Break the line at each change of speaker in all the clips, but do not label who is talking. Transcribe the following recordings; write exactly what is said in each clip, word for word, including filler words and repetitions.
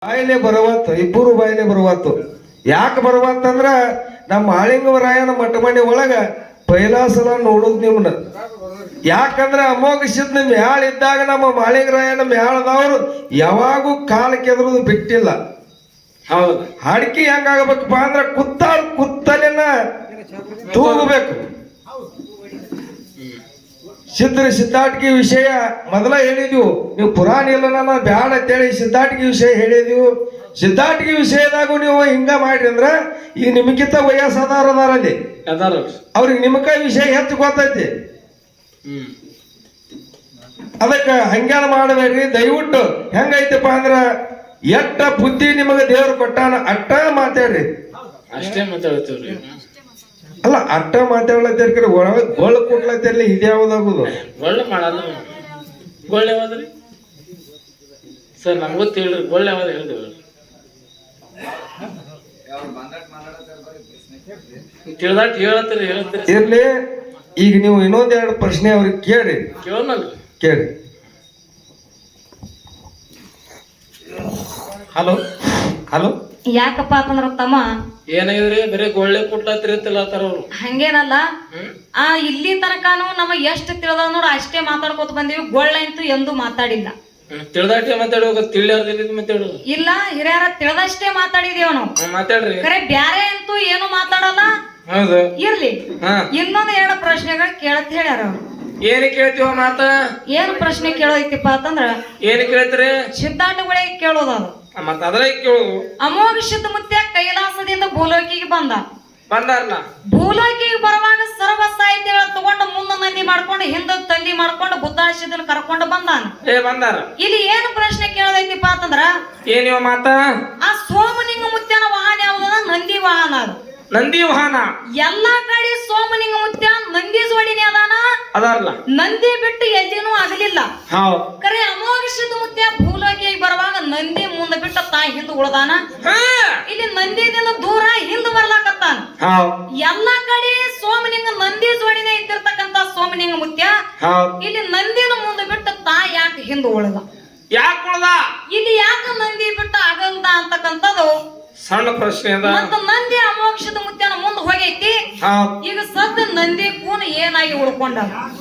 ಬಾಯಿಲೆ ಬರವತ್ತು ಇಬ್ಬರು ಬಾಯಿಲೆ ಬರವತ್ತು ಯಾಕೆ ಬರವತ್ತಂದ್ರ ನಮ್ಮ ಮಾಳಿಂಗವರಾಯನ ಮಠಮಣಿ ಒಳಗ ಪೈಲಾ ಸಲ ನೋಡುದು ನಿಮ್ನ ಯಾಕಂದ್ರ ಅಮೋಘ ಸಿದ್ಧ ಮ್ಯಾಳ ಇದ್ದಾಗ ನಮ್ಮ ಮಾಳಿಂಗರಾಯನ ಮ್ಯಾಳದವ್ರು ಯಾವಾಗೂ ಕಾಲ ಕೆದರುದು ಬಿಟ್ಟಿಲ್ಲ. ಹೌದು, ಅಡಿಕೆ ಹೆಂಗಾಗಬೇಕಪ್ಪ ಅಂದ್ರ ಕುತ್ತ ಕುತ್ತಲಿನ ತೂಗಬೇಕು. ಸಿದ್ಧರ ಸಿದ್ಧಾಟಿಕೆ ವಿಷಯ ಮೊದಲ ಹೇಳಿದ್ವು, ನೀವು ಪುರಾಣ ಇಲ್ಲ ನನ್ನ ಬ್ಯಾಡ ಅಂತೇಳಿ ಸಿದ್ಧಾಟಿಕೆ ವಿಷಯ ಹೇಳಿದ್ವು. ಸಿದ್ಧಾಟಿಕೆ ವಿಷಯದಾಗೂ ನೀವು ಹಿಂಗ ಮಾಡ್ರಿ ಅಂದ್ರ ಈಗ ನಿಮಗಿಂತ ವಯಸ್ಸಾದಾರ ಅದಾರಲ್ಲಿ ಅವ್ರಿಗೆ ನಿಮಕ ವಿಷಯ ಹೆಚ್ಚು ಗೊತ್ತೈತಿ. ಅದಕ್ಕ ಹಂಗ್ಯಾನ ಮಾಡಬೇಡ್ರಿ. ದಯವಿಟ್ಟು ಹೆಂಗೈತಪ್ಪ ಅಂದ್ರ ಎಟ್ಟ ಬುದ್ಧಿ ನಿಮಗೆ ದೇವ್ರು ಕೊಟ್ಟಾನ ಅಟ್ಟ ಮಾತಾಡ್ರಿ.
ಅಷ್ಟೇ ಮಾತಾಡ್ತೀವ್ರಿ.
ಅಲ್ಲ ಅಟ್ಟ ಮಾತಾಡ್ಲತ್ತಿರ್ಕರಿ ಒಳಗ ಗೋಳ ಕೊಡ್ಲತ್ತಿರ್ಲಿ ಇದ್ಯಾವ್ದಾಗುದು
ಗೊಳ್ಳೆ ಮಾಡಲ್ಲ. ಗೊಳ್ಳೆ ಯಾವ್ದ್ರಿ ಸರ್? ನಮ್ಗೆ ಗೊತ್ತ ಹೇಳ್ರಿ, ಗೊಳ್ಳೆ ಯಾವ್ದು ಹೇಳಿದ್ರಿ ತಿಳಿದಾಟ್ ಹೇಳತ್ತೀರಿ ಹೇಳತ್ತೀರಿ
ಇರ್ಲಿ. ಈಗ ನೀವು ಇನ್ನೊಂದೆರಡು ಪ್ರಶ್ನೆ ಅವ್ರಿಗೆ ಕೇಳಿ
ಕೇಳೋನಲ್ರಿ.
ಕೇಳಿ. ಹಲೋ ಹಲೋ
ಯಾಕಪ್ಪ ಅಂತಂದ್ರ ತಮ್ಮ
ಏನಾಗಿದ್ರಿ? ಬರೀ ಗೊಳ್ಳೆ ಕೊಟ್ಲತ್ರಿ ಅಂತಲತ್ತಾರ ಅವ್ರು.
ಹಂಗೇನಲ್ಲ, ಆ ಇಲ್ಲಿ ತನಕನು ನಮಗ್ ಎಷ್ಟು ತಿಳಿದ ನೋಡ ಅಷ್ಟೇ ಮಾತಾಡ್ಕೊತ ಬಂದೀವಿ. ಗೊಳ್ಳೆ ಅಂತೂ ಎಂದು ಮಾತಾಡಿಲ್ಲ.
ತಿಳಿದಾಟಿ ಮಾತಾಡುವಾಗ ತಿಳಿಯಾರ್ದಿ ಮಾತಾಡು.
ಇಲ್ಲ, ಹಿರಿಯರ ತಿಳಿದಷ್ಟೇ ಮಾತಾಡಿದೇವ ನಾವು.
ಮಾತಾಡ್ರಿ.
ಕರೆ ಬ್ಯಾರೆ ಅಂತೂ ಏನು ಮಾತಾಡಲ್ಲ.
ಹೌದು,
ಇರ್ಲಿ. ಇನ್ನೊಂದ್ ಎರಡು ಪ್ರಶ್ನೆಗಳು ಕೇಳತ್ ಹೇಳ್ಯಾರ ಅವ್ರು.
ಏನ್ ಕೇಳ್ತೀವ ಮಾತ?
ಏನ್ ಪ್ರಶ್ನೆ ಕೇಳೋದೈತಿಪ್ಪ ಅಂತಂದ್ರ
ಏನ್ ಕೇಳ್ತೀರಿ?
ಸಿದ್ಧಾಂತಗಳಿಗೆ ಕೇಳೋದದು.
ಮತ್ತ ಅದ್ರ ಕೇಳುದು.
ಅಮೋಘ ಸಿದ್ಧ ಮುತ್ಯ ಕೈಲಾಸದಿಂದ ಭೂಲೋಕಿಗೆ ಬಂದ.
ಬಂದಾರಲ್ಲ,
ಭೂಲೋಕಿಗೆ ಬರುವಾಗ ಸರ್ವ ಸಾಹಿತ್ಯಗಳ ತಗೊಂಡು ಮುಂದ ಮಂದಿ ಮಾಡ್ಕೊಂಡು ಹಿಂದ ತಂದಿ ಮಾಡ್ಕೊಂಡು ಬುದ್ಧಾಶಿದನ್ ಕರ್ಕೊಂಡು ಬಂದಾನ.
ಏ ಬಂದಾರ.
ಇಲ್ಲಿ ಏನು ಪ್ರಶ್ನೆ ಕೇಳದೈತಿಪ್ಪ ಅಂತಂದ್ರ
ಏನಿವ ಮಾತ?
ಆ ಸೋಮಲಿಂಗ ಮುತ್ಯನ ವಾಹನ ಯಾವ್ದದ? ನಂದಿ ವಾಹನ. ಅದು
ನಂದಿ ವಾಹನ.
ಎಲ್ಲಾ ಕಡೆ ಸೋಮಲಿಂಗ ಮುತ್ಯ ನಂದಿ ಜೋಡಿನೇ ಅದಾನ
ಅದಾರಲ್ಲ.
ನಂದಿ ಬಿಟ್ಟು ಎಲ್ಲಿನೂ ಆಗಲಿಲ್ಲ. ಕರೆ ಅಮೋಘ ಸಿದ್ಧ ಮುತ್ಯ ಭೂಲೋಕಿಗೆ ಬರುವಾಗ ನಂದಿ ಮುಂದೆ ಬಿಟ್ಟು ತಾ ಹಿಂದ್ ಉಳ್ದಾನ. ಇಲ್ಲಿ ನಂದಿದಿಂದ ದೂರ ಹಿಂದ್ ಬರ್ಲಾಕತ್ತಾನ. ಎಲ್ಲಾ ಕಡೆ ಸೋಮಲಿಂಗ ನಂದಿ ಜೋಡಿನೇ ಇದ್ದಿರ್ತಕ್ಕಂತ ಸೋಮಲಿಂಗ ಮುತ್ಯ ಇಲ್ಲಿ ನಂದಿನ ಮುಂದೆ ಬಿಟ್ಟು ತಾ ಯಾಕೆ ಹಿಂದ್ ಉಳ್ದ?
ಯಾಕೆ ಉಳ್ದ?
ಇಲ್ಲಿ ಯಾಕೆ ನಂದಿ ಬಿಟ್ಟು ಆಗಲ್ದ ಅಂತಕ್ಕಂಥದ್ದು
ಸಣ್ಣ ಪ್ರಶ್ನೆ ಅದ.
ಮತ್ತ ನಂದಿ ಅಮೋಘ ಸಿದ್ಧ ಮುತ್ಯನ ಮುಂದ್ ಹೋಗೈತಿ. ಈಗ ಸದ್ದ ನಂದಿ ಕೂನ ಏನಾಗಿ ಉಳ್ಕೊಂಡ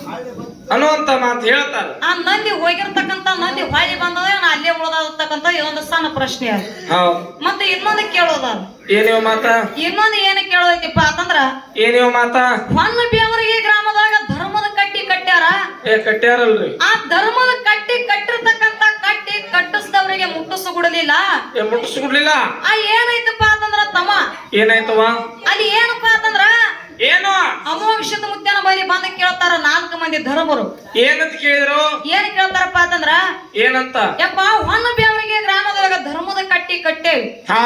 ಅನ್ನುವಂತ ಮಾತು ಹೇಳ್ತಾರ.
ಆ ನಂದಿ ಹೋಗಿರ್ತಕ್ಕಂತ ನಂದಿ ಹೊಳಿ ಬಂದದ ಅಲ್ಲೇ ಉಳ್ದಾರ್ತಕ್ಕಂತ ಇದೊಂದು ಸಣ್ಣ ಪ್ರಶ್ನೆ ಅದ. ಮತ್ತೆ ಇನ್ನೊಂದು ಕೇಳೋದ.
ಏನಿವ ಮಾತ?
ಇನ್ನೊಂದು ಏನ ಕೇಳೋದೈತಿಪ್ಪ ಅಂತಂದ್ರ
ಏನಿವ ಮಾತ?
ಹೊನ್ನ ಬೇವರಿಗೆ ಗ್ರಾಮದಾಗ ಧರ್ಮದ ಕಟ್ಟಿ ಕಟ್ಟ್ಯಾರ.
ಏ ಕಟ್ಟ್ಯಾರಲ್ರಿ.
ಆ ಧರ್ಮದ ಕಟ್ಟಿ ಕಟ್ಟಿರ್ತಕ್ಕಂತ ಕಟ್ಟಿ ಕಟ್ಟಿಸಿದವರಿಗೆ ಮುಟ್ಟಿಸ್ಕೊಡ್ಲಿಲ್ಲ.
ಏ ಮುಟ್ಟಿಸ್ಕೊಡ್ಲಿಲ್ಲ.
ಆ ಏನೈತಪ್ಪ ಅಂತಂದ್ರ ತಮ್ಮ
ಏನಾಯ್ತವ?
ಅಲ್ಲಿ ಏನಪ್ಪಾ ಅಂತಂದ್ರ
ಏನು
ಅಮೋಘ ಸಿದ್ಧ ಮುತ್ಯನ ಬಳಿ ಬಂದ ಕೇಳ್ತಾರ ನಾಲ್ಕು ಮಂದಿ ಧರ್ಮರು.
ಏನಂತ ಕೇಳಿದ್ರು?
ಏನ್ ಕೇಳ್ತಾರಪ್ಪ ಅಂತಂದ್ರ
ಏನಂತ?
ಯಪ್ಪ ಹೊನ್ನ ಬೇವರಿಗೆ ಗ್ರಾಮದೊಳಗ ಧರ್ಮದ ಕಟ್ಟಿ ಕಟ್ಟೇವಿ.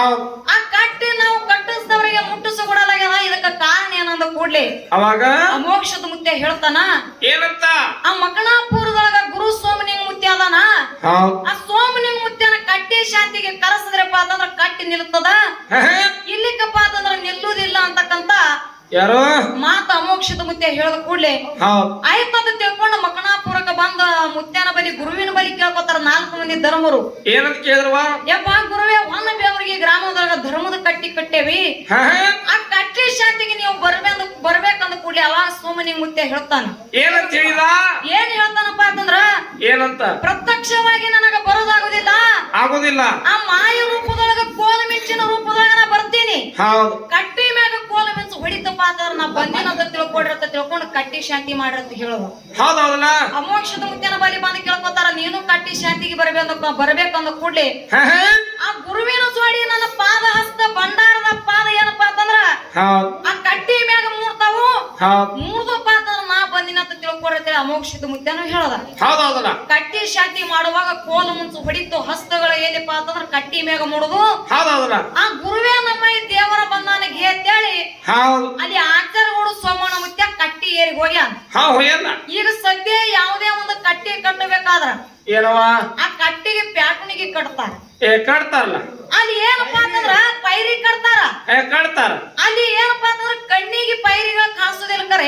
ಆ ಕಟ್ಟಿ ನಾವು ಕಟ್ಟಿಸಿದವರಿಗೆ ಮುಟ್ಟಿಸಿಕೊಡಲಾಗ್ಯದ. ಇದಕ್ಕ ಕಾರಣ ಏನಂದ ಕೂಡ್ಲಿ
ಅವಾಗ
ಅಮೋಘ ಸಿದ್ಧ ಮುತ್ಯ ಹೇಳ್ತಾನ
ಏನಂತ?
ಆ ಮಕಣಾಪುರದೊಳಗ ಗುರು ಸೋಮಲಿಂಗ ಮುತ್ಯ ಅದಾನ. ಆ ಸೋಮಲಿಂಗ ಮುತ್ಯನ ಕಟ್ಟಿ ಶಾಂತಿಗೆ ಕರೆಸಿದ್ರಪ್ಪ ಅಂತಂದ್ರ ಕಟ್ಟಿ ನಿಲ್ತದ. ಇಲ್ಲಿಕ್ಕಪ್ಪ ಅಂತಂದ್ರ ನಿಲ್ಲುವುದಿಲ್ಲ ಅಂತಕ್ಕಂತ
ಯಾರೋ
ಮಾತ ಅಮೋಘ ಸಿದ್ಧ ಮುತ್ಯ ಹೇಳದ ಕೂಡ್ಲೆ ಆಯ್ತದ ತಿಳ್ಕೊಂಡು ಮಕಣಾಪುರಕ್ಕೆ ಬಂದ ಮುತ್ಯನ ಬಲಿ ಗುರುವಿನ ಬಲಿ ಕೇಳ್ಕೊತಾರ ನಾಲ್ಕು ಮಂದಿ ಧರ್ಮರು.
ಏನಂತ ಕೇಳಿದ್ರವ?
ಯಪ್ಪ ಗುರುವೇ, ಹೊನ್ನ ಬೇವರಿಗೆ ಗ್ರಾಮದೊಳಗ ಧರ್ಮದ ಕಟ್ಟಿ ಕಟ್ಟೇವಿ. ಆ ಕಟ್ಟಿ ಶಾಂತಿಗೆ ನೀವು ಬರ್ಬೇಕ ಬರ್ಬೇಕಂದ ಕೂಡ್ಲೆ ಅವಾಗ ಸೋಮಲಿಂಗ ಮುತ್ಯ ಹೇಳ್ತಾನ.
ಏನಂತ ಹೇಳಿದ? ಏನ್
ಹೇಳ್ತಾನಪ್ಪ ಅಂತಂದ್ರ
ಏನಂತ?
ಪ್ರತ್ಯಕ್ಷವಾಗಿ ನನಗ ಬರೋದಾಗುದಿಲ್ಲ.
ಆಗುದಿಲ್ಲ.
ಆ ಮಾಯ ರೂಪದೊಳಗ ಕೋಲ ಮಿಂಚಿನ ರೂಪದೊಳಗ ನಾ ಬರ್ತೀನಿ.
ಹೌದು.
ಕಟ್ಟಿ ಮ್ಯಾಗ ಕೋಲ ಮಿಂಚು ಹೊಡಿತಪ್ಪ ಅಂತಂದ್ರ ನಾ ಬಂದಿನಂತ ತಿಳ್ಕೊಡಿರತ್ತ ತಿಳ್ಕೊಂಡು ಕಟ್ಟಿ ಶಾಂತಿ ಮಾಡಿರತ್ತ ಹೇಳೋದು.
ಹೌದೌದಲ್ಲ.
ಅಮೋಘ ಸಿದ್ಧ ಮುತ್ಯನ ಬಲಿ ಬಂದು ಕೇಳ್ಕೊತಾರ ನೀನು ಕಟ್ಟಿ ಶಾಂತಿಗೆ ಬರ್ಬೇಕ ಬರ್ಬೇಕಂದ ಕೂಡ್ಲೆ ಆ ಗುರುವಿನ ಜೋಡಿ ನನ್ನ ಪಾದ ಹಸ್ತ ಭಂಡಾರದ ಪಾದ ಏನಪ್ಪಾ ಅಂತಂದ್ರ ಆ ಕಟ್ಟಿ ಮ್ಯಾಗ ಮೂರ್ತಾವು. ಮೂರ್ದಪ್ಪ ಅಂತಂದ್ರ ನಾ ಬಂದಿನಂತ ತಿಳ್ಕೊಡಿರ್ತೇವೆ ಅಮೋಘ ಸಿದ್ಧ ಮುತ್ಯನು ಹೇಳದ.
ಹೌದೌದಲ್ಲ.
ಕಟ್ಟಿ ಶಾಂತಿ ಮಾಡುವಾಗ ಕೋಲು ಮುಂಚು ಹೊಡಿತು ಹಸ್ತಗಳ ಏನಪ್ಪ ಅಂತಂದ್ರ ಕಟ್ಟಿ ಮ್ಯಾಗ ಮೂಡುದು.
ಹೌದೌದಲ್ಲ.
ಆ ಗುರುವೇ ನಮ್ಮ ಈ ದೇವರ ಬಂದಾನಿಗೆ ಅಂತೇಳಿ ಅಲ್ಲಿ ಆಚಾರಗಳು ಸೋಮಣ್ಣ ಮುತ್ಯ ಕಟ್ಟಿ ಏರಿ ಹೋಗ್ಯಾನ. ಈಗ ಸದ್ಯ ಯಾವುದೇ ಒಂದು ಕಟ್ಟಿ ಕಟ್ಟಬೇಕಾದ್ರ
ಏನವ
ಆ ಕಟ್ಟಿಗೆ ಪ್ಯಾಟನಿಗೆ ಕಟ್ತಾರ.
ಏ ಕಟ್ತಾರಲ್ಲ.
ಅಲ್ಲಿ ಏನಪ್ಪಾ ಅಂತಂದ್ರ ಪೈರಿ ಕಟ್ತಾರ.
ಏ ಕಟ್ತಾರ.
ಅಲ್ಲಿ ಏನಪ್ಪಾ ಅಂತಂದ್ರ ಕಣ್ಣಿಗೆ ಪೈರಿಗಳ ಕಾಣಿಸೋದಿಲ್ಲ. ಕರೆ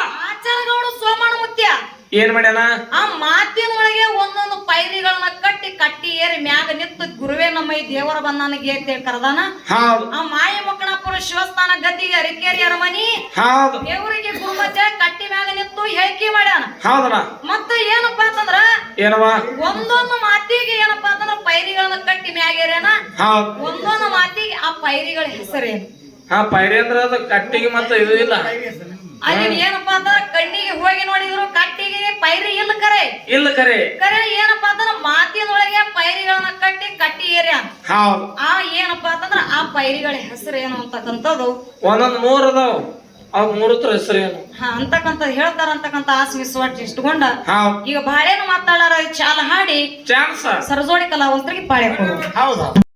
ಆಚಾರಗಳು ಸೋಮಣ್ಣ ಮುತ್ಯ
ಏನ್ ಮಾಡ್ಯಾನ?
ಆ ಮಾತಿನ ಒಳಗೆ ಒಂದೊಂದು ಪೈರಿಗಳನ್ನ ಕಟ್ಟಿ ಕಟ್ಟಿ ಏರಿ ಮ್ಯಾಗ ನಿಂತು ಗುರುವೇ ನಮ್ಮ ಈ ದೇವರ ಬಂದಾನಿಗೆ ಅಂತ ಕರೆದಾನ.
ಹೌದು
ಆ ಮಾಯ ಮಕ್ಕಳಪ್ಪರ ಶಿವಸ್ಥಾನ ಗದ್ದಿಗೆ ಅರಿಕೇರಿ ಅರಮನಿ
ಹೌದು
ದೇವರಿಗೆ ಗುರುಮತೆ ಕಟ್ಟಿ ಮ್ಯಾಗ ನಿಂತು ಹೇಳಿಕೆ ಮಾಡ್ಯಾನ.
ಹೌದಣ್ಣ.
ಮತ್ತ ಏನಪ್ಪಾ ಅಂತಂದ್ರ
ಏನವ
ಒಂದೊಂದು ಮಾತಿಗೆ ಏನಪ್ಪಾ ಅಂತಂದ್ರ ಪೈರಿಗಳನ್ನ ಕಟ್ಟಿ ಮ್ಯಾಗೇರೇನ.
ಹೌದು
ಒಂದೊಂದು ಮಾತಿಗೆ ಆ ಪೈರಿಗಳ ಹೆಸರೇನು?
ಹಾ ಪೈರಿ ಅಂದ್ರ ಅದು ಕಟ್ಟಿಗೆ ಮತ್ತೆ ಇದು ಇಲ್ಲ.
ಅಲ್ಲಿ ಏನಪ್ಪಾ ಅಂತಂದ್ರ ಕಣ್ಣಿಗೆ ಹೋಗಿ ನೋಡಿದ್ರು ಕಟ್ಟಿಗೆ ಪೈರಿ ಇಲ್ಲ ಕರೆ
ಇಲ್ಲ ಕರೆ
ಕರೆ ಏನಪ್ಪಾ ಅಂತಂದ್ರ ಮಾತಿನೊಳಗೆ ಪೈರಿಗಳನ್ನ ಕಟ್ಟಿ ಕಟ್ಟಿ ಏರ್ಯ.
ಹೌದು
ಆ ಏನಪ್ಪಾ ಅಂತಂದ್ರ ಆ ಪೈರಿಗಳ ಹೆಸರು ಏನು ಅಂತಕ್ಕಂಥದ್ದು
ಒಂದೊಂದ್ ಮೂರ್ ಅದಾವ. ಅವ್ ಮೂರತ್ರ ಹೆಸರು ಏನು
ಹಾ ಅಂತಕ್ಕಂಥ ಹೇಳ್ತಾರ ಅಂತಕ್ಕಂಥ ಆಸೆ ವಿಶ್ವಾಸ ಇಷ್ಟುಕೊಂಡ
ಹೌದು
ಈಗ ಬಾಳೆನು ಮಾತಾಡಾರ ಚಾಲ ಹಾಡಿ
ಚಾನ್ಸ
ಸರಜೋಡಿ ಕಲಾವಂತರಿಗೆ ಪಾಳೆ ಕೊಡು.
ಹೌದು